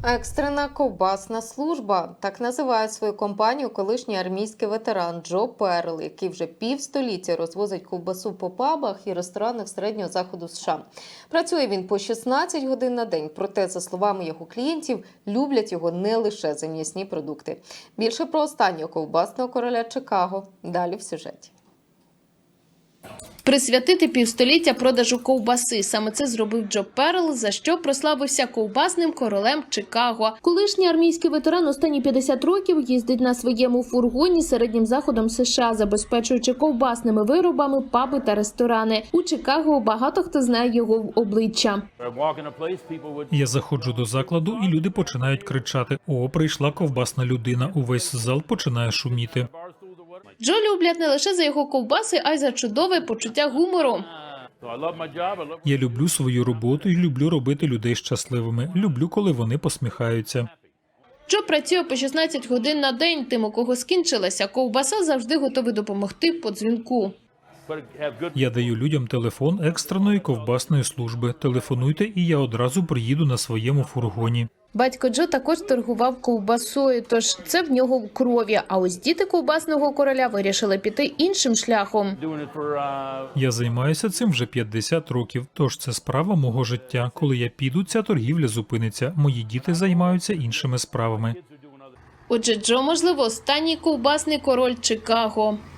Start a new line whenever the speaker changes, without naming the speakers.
Екстрена ковбасна служба – так називає свою компанію колишній армійський ветеран Джо Перл, який вже півстоліття розвозить ковбасу по пабах і ресторанах середнього заходу США. Працює він по 16 годин на день, проте, за словами його клієнтів, люблять його не лише за м'ясні продукти. Більше про останнього ковбасного короля Чикаго далі в сюжеті.
Присвятити півстоліття продажу ковбаси. Саме це зробив Джо Перл, за що прославився ковбасним королем Чикаго. Колишній армійський ветеран останні 50 років їздить на своєму фургоні середнім заходом США, забезпечуючи ковбасними виробами паби та ресторани. У Чикаго багато хто знає його в обличчя.
Я заходжу до закладу, і люди починають кричати: «О, прийшла ковбасна людина!» Увесь зал починає шуміти.
Джо люблять не лише за його ковбаси, а й за чудове почуття гумору.
Я люблю свою роботу і люблю робити людей щасливими. Люблю, коли вони посміхаються.
Джо працює по 16 годин на день. Тим, у кого скінчилася ковбаса, завжди готовий допомогти по дзвінку.
Я даю людям телефон екстреної ковбасної служби. Телефонуйте, і я одразу приїду на своєму фургоні.
Батько Джо також торгував ковбасою, тож це в нього в крові. А ось діти ковбасного короля вирішили піти іншим шляхом.
Я займаюся цим вже 50 років, тож це справа мого життя. Коли я піду, ця торгівля зупиниться. Мої діти займаються іншими справами.
Отже, Джо, можливо, останній ковбасний король Чикаго.